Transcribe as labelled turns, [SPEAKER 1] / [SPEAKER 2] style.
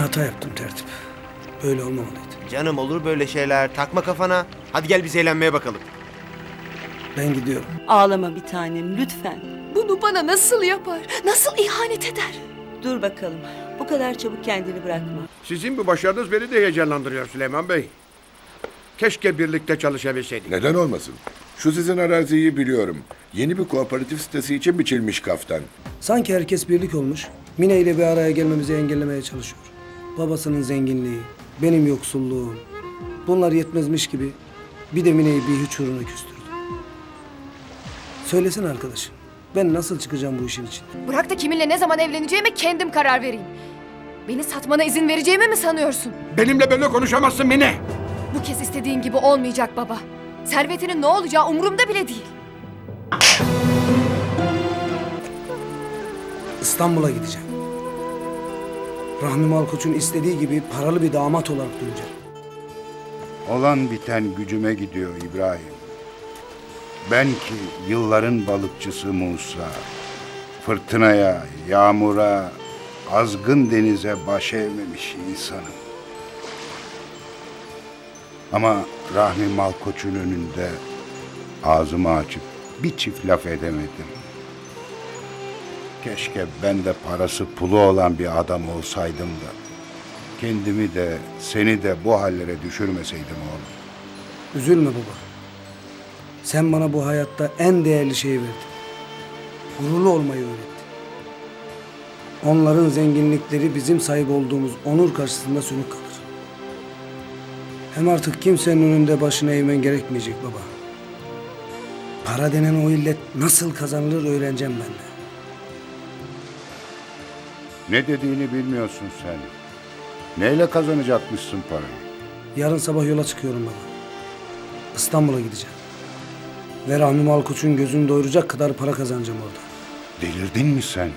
[SPEAKER 1] hata yaptım tertip. Böyle olmamalıydı.
[SPEAKER 2] Canım olur böyle şeyler. Takma kafana. Hadi gel biz eğlenmeye bakalım.
[SPEAKER 1] Ben gidiyorum.
[SPEAKER 3] Ağlama bir tanem lütfen.
[SPEAKER 4] Bunu bana nasıl yapar? Nasıl ihanet eder?
[SPEAKER 3] Dur bakalım. Bu kadar çabuk kendini bırakma.
[SPEAKER 5] Sizin bu başarınız beni de heyecanlandırıyor Süleyman Bey. Keşke birlikte çalışabilseydik.
[SPEAKER 6] Neden olmasın? Şu sizin araziyi biliyorum. Yeni bir kooperatif sitesi için biçilmiş kaftan.
[SPEAKER 1] Sanki herkes birlik olmuş. Mine ile bir araya gelmemizi engellemeye çalışıyor. Babasının zenginliği, benim yoksulluğum. Bunlar yetmezmiş gibi bir de Mine'yi bir hiç uğruna küstürdü. Söylesene arkadaşım. Ben nasıl çıkacağım bu işin içinden?
[SPEAKER 4] Bırak da kiminle ne zaman evleneceğime kendim karar vereyim. Beni satmana izin vereceğimi mi sanıyorsun?
[SPEAKER 5] Benimle böyle konuşamazsın Mine.
[SPEAKER 4] Bu kez istediğin gibi olmayacak baba. Servetinin ne olacağı umurumda bile değil.
[SPEAKER 1] İstanbul'a gideceğim. Rahmi Malkoç'un istediği gibi paralı bir damat olarak döneceğim.
[SPEAKER 7] Olan biten gücüme gidiyor İbrahim. Ben ki yılların balıkçısı Musa, fırtınaya, yağmura, azgın denize baş eğmemiş insanım. Ama Rahmi Malkoç'un önünde ağzımı açıp bir çift laf edemedim. Keşke ben de parası pulu olan bir adam olsaydım da kendimi de seni de bu hallere düşürmeseydim oğlum.
[SPEAKER 1] Üzülme baba. Sen bana bu hayatta en değerli şeyi verdin. Gururlu olmayı öğrettin. Onların zenginlikleri bizim sahip olduğumuz onur karşısında sönük kalır. Hem artık kimsenin önünde başını eğmen gerekmeyecek baba. Para denen o illet nasıl kazanılır öğreneceğim ben de.
[SPEAKER 7] Ne dediğini bilmiyorsun sen. Neyle kazanacakmışsın parayı?
[SPEAKER 1] Yarın sabah yola çıkıyorum baba. İstanbul'a gideceğim. Ve Rahmi Malkoç'un gözünü doyuracak kadar para kazanacağım orada.
[SPEAKER 7] Delirdin mi sen?